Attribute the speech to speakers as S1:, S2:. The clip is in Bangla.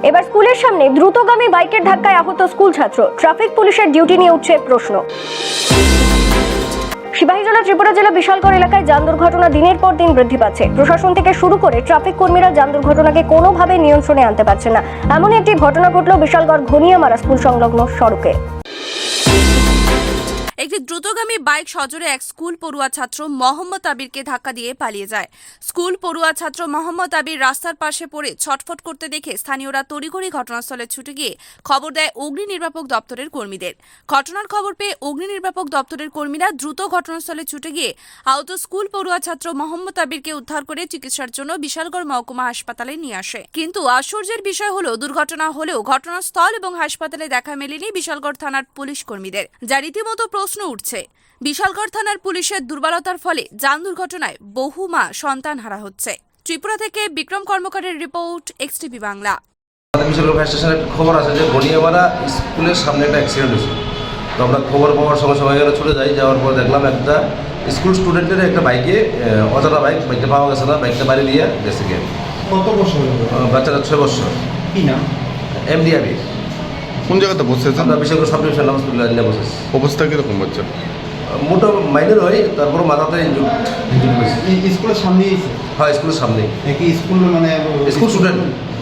S1: এবার স্কুলের সামনে দ্রুতগামী বাইকের ধাক্কায় আহত স্কুল ছাত্র। ট্রাফিক পুলিশের ডিউটি নিয়ে উঠছে প্রশ্ন। সিপাহীজলা ত্রিপুরা জেলা বিশালগড় এলাকায় যান দুর্ঘটনা দিনের পর দিন বৃদ্ধি পাচ্ছে। প্রশাসন থেকে শুরু করে ট্রাফিক কর্মীরা যান দুর্ঘটনাকে কোনোভাবে নিয়ন্ত্রণে আনতে পারছে না। এমন একটি ঘটনা ঘটল বিশালগড় ঘনিয়ামারা স্কুল সংলগ্ন সড়কে।
S2: একটি দ্রুতগামী বাইক সজোরে এক স্কুল পড়ুয়া ছাত্র মোহাম্মদ আবিরকে ধাক্কা দিয়ে পালিয়ে যায়। স্কুল পড়ুয়া ছাত্র মোহাম্মদ আবির রাস্তার পাশে পড়ে ছটফট করতে দেখে স্থানীয়রা তড়িঘড়ি ঘটনাস্থলে ছুটে গিয়ে খবর দেয় অগ্নি নির্বাপক দপ্তরের কর্মীদের। ঘটনার খবর পেয়ে অগ্নি নির্বাপক দপ্তরের কর্মীরা দ্রুত ঘটনাস্থলে ছুটে গিয়ে আহত স্কুল পড়ুয়া ছাত্র মোহাম্মদ আবিরকে উদ্ধার করে চিকিৎসার জন্য বিশালগড় মহকুমা হাসপাতালে নিয়ে আসে। কিন্তু আশ্চর্যের বিষয় হলো, দুর্ঘটনা হলেও ঘটনাস্থল এবং হাসপাতালে দেখা মেলেনি বিশালগড় থানার পুলিশ কর্মীদের, যা রীতিমতো প্রশ্ন উঠছে। বিশালগড় থানার পুলিশের দুর্বলতার ফলে যান দুর্ঘটনায় বহু মা সন্তান হারা হচ্ছে। ত্রিপুরা থেকে বিক্রম কর্মকারের রিপোর্ট, এক্সটিভি বাংলা।
S3: আমাদের বিশালগড় ফায়ার স্টেশনের খবর আছে যে ঘনিয়ামারা স্কুলের সামনে একটা অ্যাক্সিডেন্ট হয়েছে। তো আমরা খবর পাওয়ার সঙ্গে সঙ্গে এখানে চলে যাই। যাওয়ার পর দেখলাম একটা স্কুল স্টুডেন্টের একটা বাইকে, অজানা বাইকটা পাওয়া গেছে না, বাইকটা বাড়ি দিয়ে গেছে গিয়ে।
S4: কত বছর হলো?
S3: বাচ্চাটা 6 বছর।
S4: কি নাম?
S3: এমডি আবির।
S5: কোন জায়গাতে বসেছে?
S3: আমরা বিশালগড় সাব ডিভিশন হসপিটালে নিয়ে বসেছি।
S5: অবস্থা কিরকম বাচ্চা?
S3: মোটো মাইনের হয়, তারপর মাথাতে ইনজুরি হয়েছে।
S4: স্কুলের সামনেই?
S3: হ্যাঁ, স্কুলের সামনেই।
S4: কি স্কুল মানে
S3: স্কুল স্টুডেন্ট।